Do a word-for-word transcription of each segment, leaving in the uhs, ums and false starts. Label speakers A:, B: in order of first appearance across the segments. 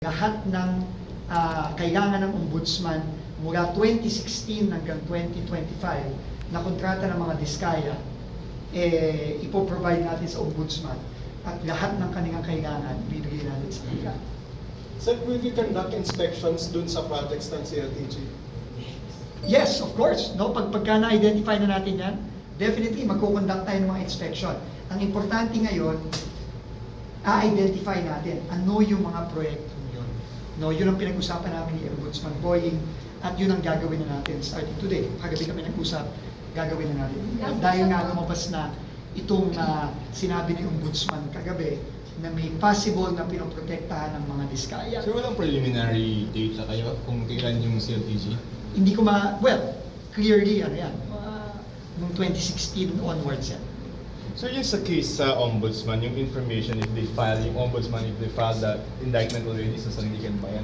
A: Lahat ng uh, kailangan ng ombudsman mula twenty sixteen hanggang twenty twenty-five na kontrata ng mga diskaya, eh, ipoprovide natin sa ombudsman at lahat ng kanilang kailangan bibigyan natin sa kanila.
B: Sir, will you conduct inspections dun sa projects ng C L T G?
A: Yes, of course. No? Pag pagka na-identify na natin yan, definitely magkukonduct tayo ng mga inspection. Ang importante ngayon, a-identify natin ano yung mga proyekto yun. No, yun ang pinag-usapan namin ni Ombudsman Boying at yun ang gagawin na natin starting today. Kagabi kami nag-usap, gagawin na natin. At dahil nga lumabas na itong uh, sinabi ni Ombudsman kagabi na may possible na pinoprotektahan ng mga diskaya.
C: So walang preliminary data kayo kung kailan yung C L T G?
A: Hindi ko ma... Well, clearly, ano yan, uh, noong twenty sixteen onwards yan.
C: So yung sa case sa ombudsman, yung information if they file, yung ombudsman if they file that indictment already sa Sandigan Bayan,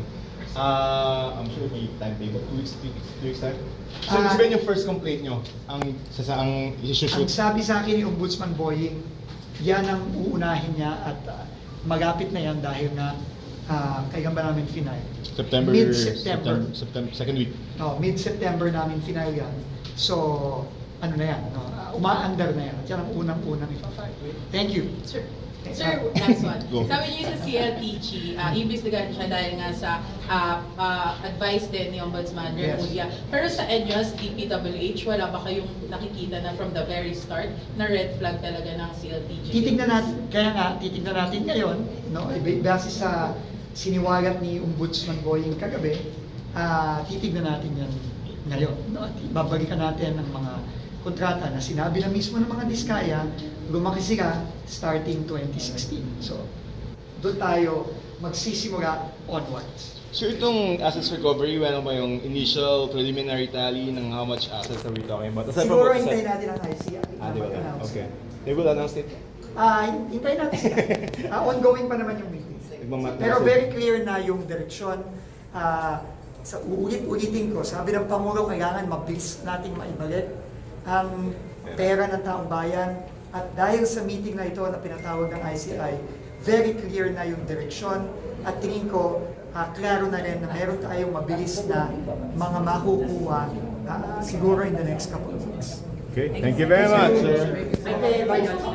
C: uh, I'm sure may timetable, two weeks, two weeks, two weeks time. So
A: Uh,
C: uh, yung first complaint nyo, ang sa saang
A: Ang
C: isushoot?
A: sabi sa akin ni Ombudsman Boying, yan ang uunahin niya at uh, magapit na yan dahil nga uh, kailan ba namin final?
C: September,
A: Mid-September.
C: September, September, second week.
A: No, mid-September namin final yan. So, ano na yan, no? uh, umaandar na yan. At yan ang unang-unang ipafile. Thank you.
D: Sir,
A: Thanks.
D: sir, last one.
C: Go.
D: Sabi niyo sa C L T G, uh, imbestigahan siya dahil nga sa uh, uh, advice din ni Ombudsman
A: Yes.
D: Remulla. Pero sa E N Y O S, D P W H, wala ba kayong nakikita na from the very start na red flag talaga ng C L T G?
A: Titignan natin, kaya nga, titignan natin ngayon, no? iba- base sa siniwalat ni Ombudsman Boying kagabi, uh, titignan natin yan ngayon. No? At babalikan natin ang mga kontrata na sinabi na mismo ng mga diskaya, lumaki sila starting twenty sixteen. So, doon tayo magsisimula onwards.
C: So itong assets recovery, ano ba yung initial preliminary tally ng how much assets are we talking about? Aside from
A: Siguro
C: what-
A: hintayin natin ang I C I
C: Ah,
A: na
C: di ba?
A: mag-announce.
C: Okay. They will announce it.
A: Ah, hin- hintayin natin sila. Ah, ongoing pa naman yung meeting.
C: Nagmamat-
A: Pero very clear na yung direksyon. Ah, sa uulit-ulitin ko, sabi ng Pangulo, kailangan mabilis nating maibalik ang pera ng taong bayan. At dahil sa meeting na ito na pinatawag ng I C I, very clear na yung direksyon. At tingin ko, ah, klaro na rin na meron tayong mabilis na mga makukuha ah, siguro in the next couple of weeks.
C: Okay, thank you very much, sir.
A: Okay, bye guys.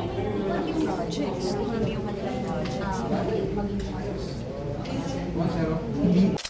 E: projects, kung ano yung kanilang projects, maging
A: Hindi